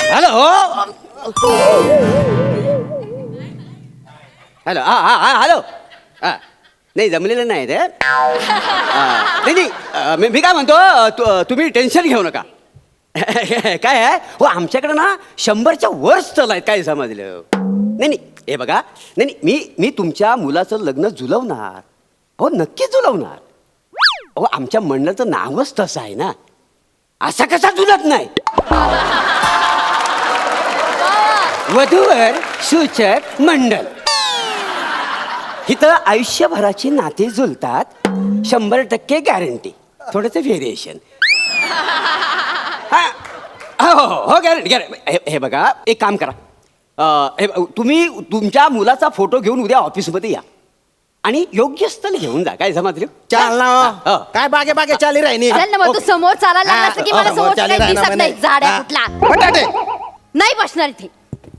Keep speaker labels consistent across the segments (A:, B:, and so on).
A: Hello hello hello नाही जमलेलं नाही ते नाही नाही मी काय म्हणतो तुम्ही टेन्शन घेऊ नका काय आहे हो आमच्याकडे ना 100च्या वर स्थल आहेत काय समजलं नाही नाही हे बघा नाही नाही मी तुमच्या मुलाचं लग्न जुलवणार हो नक्की जुलवणार हो आमच्या मंडळाचं नावच तसं आहे ना असा कसा जुलत नाही वधूवर सूचक मंडळ इथं आयुष्यभराची नाती जुलतात 100% गॅरंटी थोडंसं व्हेरिएशन हो गॅरंटी हे बघा एक काम करा तुम्ही तुमच्या मुलाचा फोटो घेऊन उद्या ऑफिसमध्ये या आणि योग्य स्थळ घेऊन जा काय समजलं
B: चाल ना काय बागे बागे चाली राहिनी
C: चल ना मग तू समोर चालायला लागलास की मला समोर काही दिसत नाही झाड्या कुठला
B: बटाटे
C: नाही बसणार इथे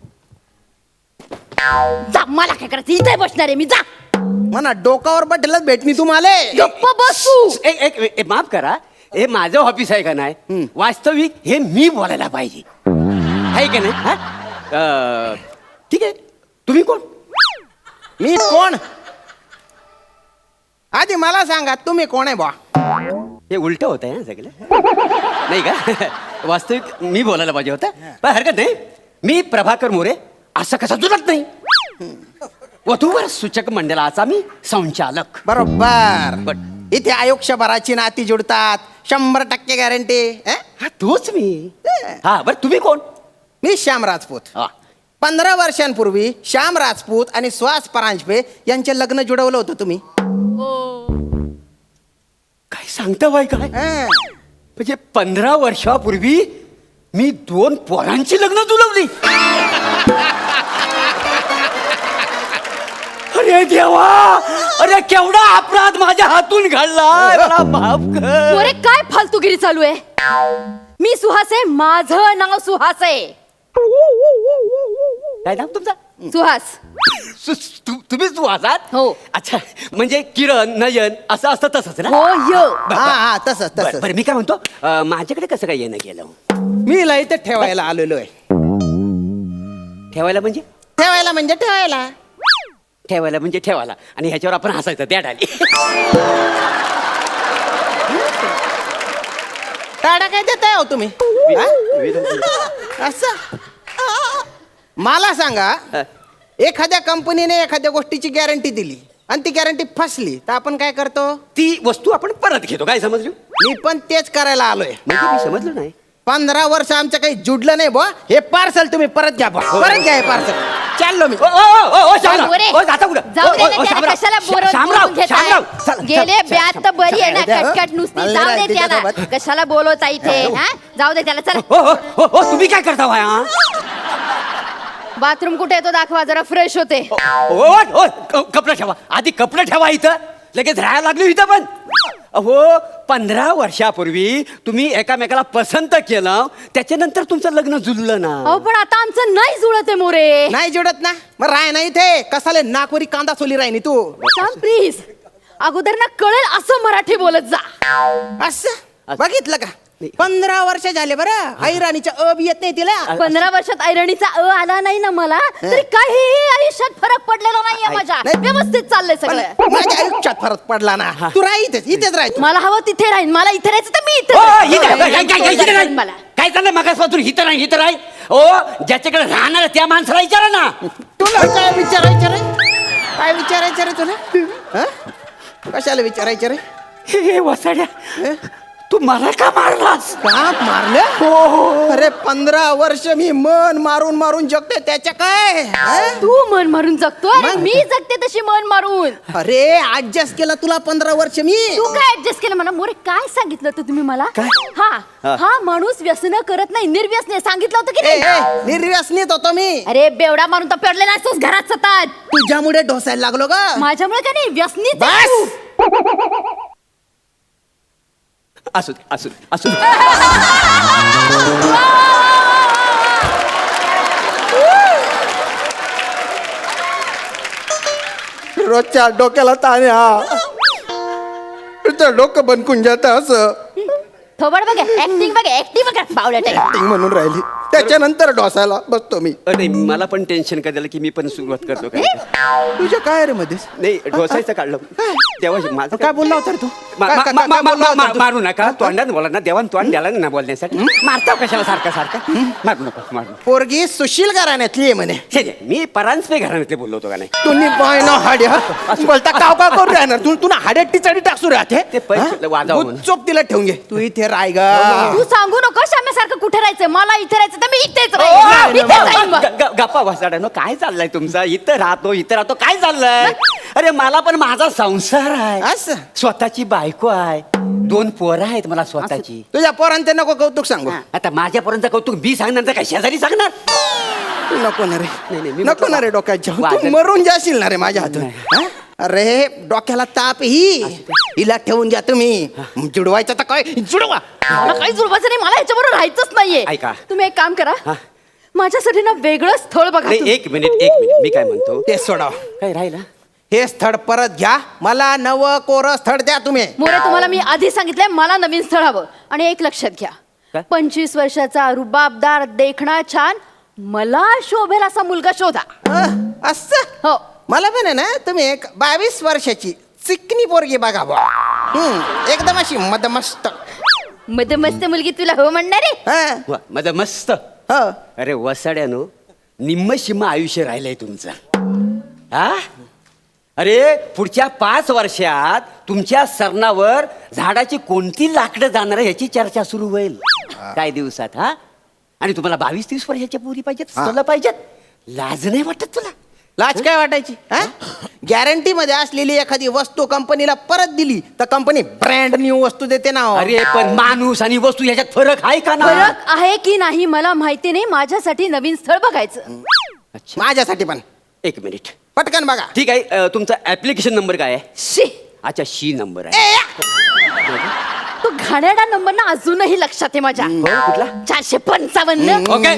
C: जा मला काय करायचं इथे बसणार आहे मी जा
B: म्हणा डोकावर बटलच भेटणी तुम्हाला
C: गप्प बसू
A: एक माफ करा हे माझं ऑफिस आहे का नाही वास्तविक हे मी बोलायला पाहिजे आहे का नाही हा? ठीक आहे तुम्ही कोण
B: मी कोण आधी मला सांगा तुम्ही कोण आहे बा
A: हे उलट होत आहे ना सगळं नाही का वास्तविक मी बोलायला पाहिजे होतं पण हरकत नाही मी प्रभाकर मोरे असं कसं जुळत नाही वधूवर सूचक मंडळाचा मी संचालक
B: बरोबर इथे आयुष्यभराची नाती जुडतात 100% गॅरंटी
A: हा तोच मी हा बरं तुम्ही कोण
B: मी श्याम राजपूत
A: हा
B: 15 वर्षांपूर्वी श्याम राजपूत आणि सुहास परांजपे यांचे लग्न जुडवलं होतं तुम्ही
A: काय सांगता बाई काय म्हणजे 15 वर्षापूर्वी मी 2 पोरांची लग्न जुळवली अरे देवा अरे केवढा अपराध माझ्या हातून घडलाय मला माफ कर
C: अरे काय फालतूगिरी चालू आहे मी सुहास आहे माझं नाव सुहास आहे
A: काय नाव तुमचा
C: सुहास
A: तुम्हीच तू आहात
C: हो.
A: अच्छा म्हणजे किरण नयन असं असतं तसंच ना
C: हो यो
B: हा तसंच
A: बरं
B: तसंच
A: बरं, मी काय म्हणतो माझ्याकडे कसं काय येणं गेलं
B: मी इला इथे ठेवायला आलेलो आहे
A: ठेवायला म्हणजे
B: ठेवायला म्हणजे ठेवायला
A: ठेवायला म्हणजे ठेवायला आणि ह्याच्यावर आपण हसायचं त्या डाली
B: टाळा काय देताय हो तुम्ही असं मला सांगा एखाद्या कंपनीने एखाद्या गोष्टीची गॅरंटी दिली आणि ती गॅरंटी फसली तर आपण काय करतो
A: ती वस्तू आपण परत घेतो काय समजलो
B: मी पण तेच करायला आलोय
A: म्हणजे मी समजलो नाही
B: 15 वर्ष आमचं काही जुडलं नाही बुवा हे पार्सल तुम्ही परत घ्या बुवा परत घ्या हे पार्सल चाललो मी
A: जाता कुठं
C: जाऊ दे ना त्याला कशाला बोलवून घेताय गेले ब्यात तर बरी आहे ना कटकट नुसती जाऊ दे त्याला कशाला बोलवता इथे हा जाऊ दे त्याला चला
A: तुम्ही काय करता भाया
C: बाथरूम कुठे येतो दाखवा जरा फ्रेश होते
A: कपडे ठेवा आधी कपडे ठेवा इथं लगेच राहायला लागलो इथं पण अहो 15 वर्षापूर्वी तुम्ही एकामेकाला पसंत केलं त्याच्यानंतर तुमचं लग्न जुळलं ना
C: अहो पण आता आमचं नाही जुळत आहे मोरे
B: नाही जुडत ना मग राय नाही इथे कसाले नागपुरी कांदा सोली राहिनी तू
C: प्लीज अगोदर ना कळेल असं मराठी बोलत जा
B: असं बघितलं का 15 वर्ष झाले बरं ऐराणीच्या अ बी येत नाही तिला
C: 15 वर्षात ऐरणीचा आला नाही ना मला तरी काही आयुष्यात फरक पडलेला नाहीये माझ्या व्यवस्थित चाललंय सगळं
B: माझ्या आयुष्यात फरक पडला ना तू राह इथेच राह
C: मला हवं तिथे राहीन मला इथे राहायचं तर मी इथे राहीन मला
A: काय चाललंय मागासपासून हिथं राहील ओ ज्याच्याकडे राहणार त्या माणसाला विचारा ना
B: तुला काय विचारायचं रे काय विचारायचं रे तुला कशाला विचारायचं रे
A: हे वसाड्या तू मला का मारलास
B: का मारलं हो अरे 15 वर्ष मी मन मारून मारून जगते त्याच्या काय
C: तू मन मारून जगतोय मी जगते तशी मन मारून
B: अरे ऍडजस्ट केला तुला 15 वर्ष मी
C: तू काय ऍडजस्ट केलं मला मोरे काय सांगितलं होतं तुम्ही मला हा माणूस व्यसन करत नाही निर्व्यसने सांगितलं होतं की नाही
B: निर्व्यसनीत होतो मी
C: अरे बेवडा मारून तर पेरले नाहीस घरात सतत
B: तुझ्यामुळे ढोसायला लागलो ग
C: माझ्यामुळे काय नाही व्यसनीच
A: असू दे
B: रोजच्या डोक्याला ताण डोकं बनकून जात असं
C: थोबड बघा ऍक्टिंग बघा बावळट
B: म्हणून राहिली त्याच्यानंतर डोसायला बसतो मी.
A: नाही मला पण टेन्शन काय झालं की मी पण सुरुवात करतो काय
B: तुझ्या काय रे मध्येच
A: नाही ढोसायचं काढलं तेव्हा माझं
B: काय बोलला होता रे तू?
A: मा-
B: काय-
A: मा-
B: काय-
A: मा-
B: काय
A: मा-
B: बोलला होता
A: मा-
B: तू?
A: मारू नका तोंडात बोला ना देवान तोंड द्याला ना बोलण्यासाठी मारता कशाला सारखा सारखा मारू नका मारू नका.
B: पोरगी सुशील घराण्यातली आहे म्हणे.
A: छे, छे, मी परांजपे घराण्यातले बोललो होतो का नाही
B: तुम्ही बाय ना हाड्या बोलता काव का करून राहणार तू तुला हाड्यात टिचाडी टाकसू राहते
A: ते पैसे वाजावं म्हणून.
B: चोप तिला ठेवून घे तू इथे राय ग.
C: तू सांगू नको श्याम्यासारखं कुठे राहायचं मला इथे राहायचं तर मी इथेच
A: ओ,
C: राहीन. इथेच राहीन मग.
A: गप्पा वासाड्यानो काय चाललंय तुमचा इथं राहतो काय चाललंय अरे मला पण माझा संसार आहे
B: असं?
A: स्वतःची बायको आहे 2 पोरं आहेत मला स्वतःची
B: तुझ्या पोरांचे नको कौतुक सांगू.
A: आता माझ्यापर्यंत कौतुक मी सांगणार तर काय शेजारी सांगणार
B: नको ना रे
A: नाही, मी
B: नको
A: म्हटलं
B: ना रे डोक्याच्या तू
A: वाजत-
B: मरून जाशील ना रे माझ्या हातून हा? अरे डोक्याला ताप हिला ठेवून जा तुम्ही जुडवायचं तर काय जुडवा.
C: मला काही जुळवायचं नाही मला ह्याच्याबरोबर राहायचंच नाहीये
A: ऐका.
C: तुम्ही एक काम करा
A: हा.
C: माझ्यासाठी ना वेगळं स्थळ बघा
A: नाही
C: तुम्ही.
A: एक मिनिट मी काय म्हणतो
B: ते सोडाव
A: काय राहिला
B: हे स्थळ परत घ्या मला नवं कोरं स्थळ द्या तुम्ही.
C: मोरे तुम्हाला मी आधी सांगितलंय मला नवीन स्थळ हवं आणि एक लक्षात घ्या
A: काय?
C: 25 वर्षाचा रुबाबदार देखणा छान मला शोभेल असा मुलगा शोधा.
B: असं
C: हो
B: मला पण आहे ना तुम्ही एक 22 वर्षाची चिकनी पोरगी बघा बुवा. एकदम अशी मदमस्त.
C: मस्त मुलगी तुला हो म्हणणार आहे
B: हा,
A: वा, माझं मस्त
B: हो.
A: अरे वसाड्यानो निम्म शिम्म आयुष्य राहिलंय तुमचं हा अरे पुढच्या 5 वर्षात तुमच्या सरणावर झाडाची कोणती लाकडं जाणार याची चर्चा सुरू होईल काय दिवसात हा आणि तुम्हाला 22-30 वर्षाच्या पोरी पाहिजेत स्थळं पाहिजेत लाज नाही वाटत तुला
B: लाज काय वाटायची गॅरंटी मध्ये असलेली एखादी वस्तू कंपनीला परत दिली तर कंपनी ब्रँड न्यू वस्तू देते ना.
A: अरे पण माणूस आणि वस्तू याच्यात फरक आहे का ना
C: फरक आहे की नाही मला माहिती नाही माझ्यासाठी नवीन स्थळ बघायचं.
A: अच्छा
B: माझ्यासाठी पण
A: एक मिनिट
B: पटकन बघा.
A: ठीक आहे तुमचा ऍप्लिकेशन नंबर काय आहे
C: शी
A: अच्छा शी नंबर आहे
C: तो घाणेरडा नंबर ना अजूनही लक्षात आहे माझ्या
A: हो, कुठला
C: 455.
A: ओके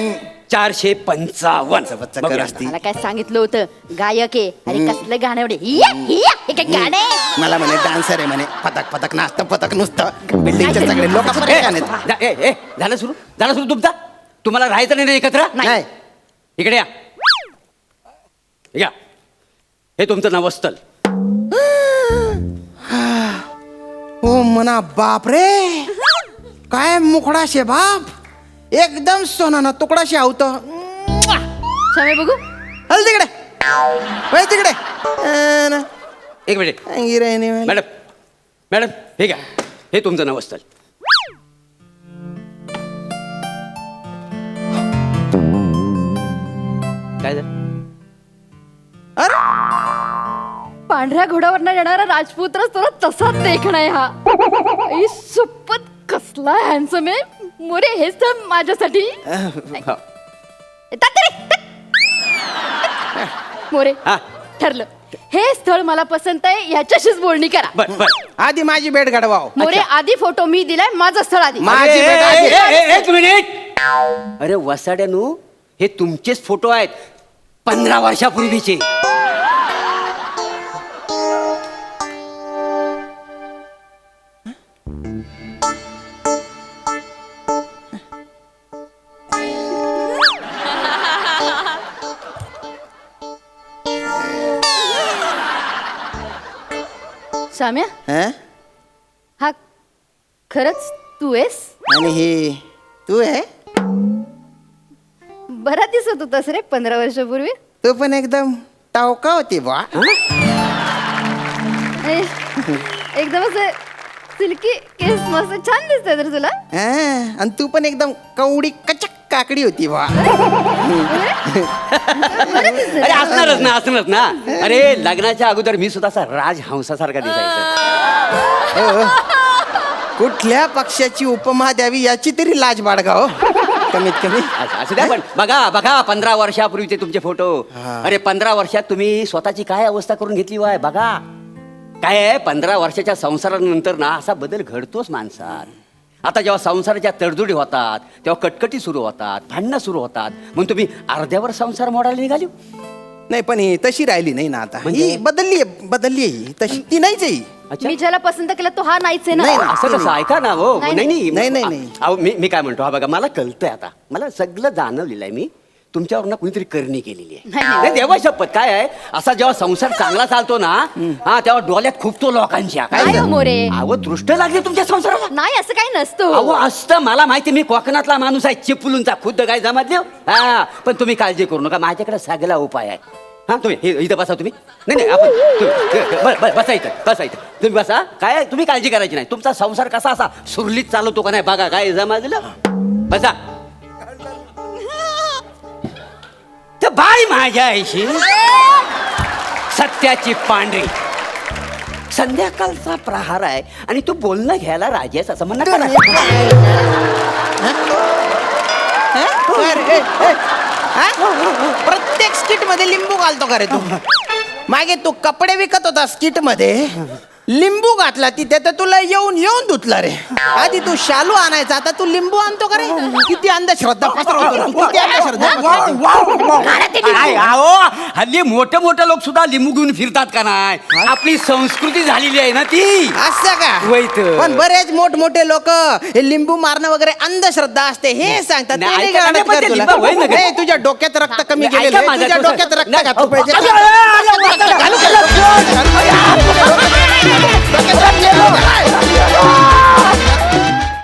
A: 455 बघूया.
C: मला काय सांगितलं होतं गायक आहे अरे कसलं गाणं एवढे हे काय गाणं आहे?
B: मला म्हणे डान्सर आहे म्हणे पतक पतक नाचतं पतक नुसतं बिल्डिंगचे सगळे लोक परेशान आहेत.
A: झालं सुरू तुमचा तुम्हाला राहायचं नाही ना एकत्र
B: नाही
A: इकडे या हे तुमचं नवस्थल
B: ओ मना बाप रे काय मुखडा शे बाप एकदम सोनाना तुकडा शे आवत.
C: शामे बघू
B: हल तिकडे वळ तिकडे
A: एक मिनिट मॅडम हे घ्या हे तुमचं नवस्थल काय झालं
B: अरे
C: पांढऱ्या घोड्यावर येणारा राजपूत तुला तसाच देखणं आहे हा आई सुपत कसला हॅन्सम आहे मोरे हेच तर माझ्यासाठी
A: हो.
C: येतात रे, मोरे
A: हा.
C: ठरलं हे स्थळ मला पसंत आहे ह्याच्याशीच बोलणी करा.
A: बर
B: आधी माझी भेट घडवाव.
C: मोरे आधी फोटो मी दिलाय माझं स्थळ आधी
B: माझी भेट आधी.
A: एक मिनिट अरे वसाड्यानू हे तुमचेच फोटो आहेत 15 वर्षापूर्वीचे
C: शाम्या
B: हं?
C: हा खरंच तू आहेस
B: आणि हे तू आहे
C: बरा दिसत होतास रे 15 वर्षापूर्वी.
B: तू पण एकदम टावका होती बा.
C: एकदम असं सिल्की केस मस्त छान दिसतंय तर तुला.
B: आणि तू पण एकदम कवडी कचक काकडी होती बा.
A: अरे असणारच ना अरे लग्नाच्या अगोदर मी सुद्धा असा राजहंसासारखा दिसायचा
B: कुठल्या पक्षाची उपमा द्यावी याची तरी लाज बाळगा हो कमीत कमी.
A: असं द्या पण बघा 15 वर्षापूर्वीचे तुमचे फोटो अरे 15 वर्षात तुम्ही स्वतःची काय अवस्था करून घेतली वाय बघा काय आहे 15 वर्षाच्या संसारानंतर ना असा बदल घडतोच माणसात. आता जेव्हा संसाराच्या तडजोडी होतात तेव्हा कटकटी सुरू होतात भांडणं सुरू होतात म्हणून तुम्ही अर्ध्यावर संसार मोडायला निघाली.
B: नाही पण ही तशी राहिली नाही ना आता
A: म्हणजे?
B: ही बदलली आहे ही तशी ती नाहीच आहे ही.
A: अच्छा.
C: मी ज्याला पसंत केलं तो हा नाहीच आहे
B: नाही,
C: ना
B: नाही.
A: असं कसं ऐका ना हो
C: नाही,
B: नाही, नाही.
A: अहो मी काय म्हणतो हा बघा मला कळतंय आता मला सगळं जाणवलेलं आहे मी तुमच्यावर ना कुणीतरी करणी केलेली आहे
C: नाही, नाही.
A: नाही देवा शपथ काय आहे असा जेव्हा संसार चांगला चालतो ना हा तेव्हा डोळ्यात खूपतो लोकांच्या
C: काय हो
A: झालं?
C: मोरे?
A: अहो दृष्ट लागली तुमच्या संसाराला
C: नाही असं काही नसतो
A: अहो असतं मला माहिती मी कोकणातला माणूस आहे चिपळूणचा खुद्द काय जमात हा पण तुम्ही काळजी करू नका माझ्याकडे सगळा उपाय आहे हा तुम्ही इथं बसा तुम्ही नाही नाही आपण बसा इथं तुम्ही बसा काय तुम्ही काळजी करायची नाही तुमचा संसार कसा असा सुरलीत चालवतो का नाही बघा काय जमाजलं बसा तर बाई माझ्या आईशी सत्याची पांढरी संध्याकाळचा प्रहार आहे आणि तू बोलणं घ्यायला राजी आहेस असं म्हणणं करा
B: प्रत्येक स्किट मध्ये लिंबू घालतो का रे तू मागे तू कपडे विकत होता स्किट मध्ये लिंबू घातला तिथे तर तुला येऊन धुतला रे आधी तू शालू आणायचा आता तू लिंबू आणतो का रे किती अंधश्रद्धा पसरवतो तू. किती अंधश्रद्धा
A: काय अहो हल्ली मोठे मोठे लोक सुद्धा लिंबू घेऊन फिरतात का नाही आपली संस्कृती झालेली आहे ना ती
B: असं का
A: वैत.
B: पण बरेच मोठमोठे लोक हे लिंबू मारणं वगैरे अंधश्रद्धा असते हे सांगतात
A: नाही,
B: ते नाही
A: ऐका,
B: गाणं
A: पण ते
B: कर तुला.
A: लिंबू होईल ना का?
B: ए, तुझ्या डोक्यात रक्त कमी
A: नाही,
B: गेलेलं
A: ऐका
B: आहे.
A: माझं
B: तुझ्या
A: कसं-
B: डोक्यात रक्त
A: नाही,
B: घातलं पाहिजे
A: अगं, अगं,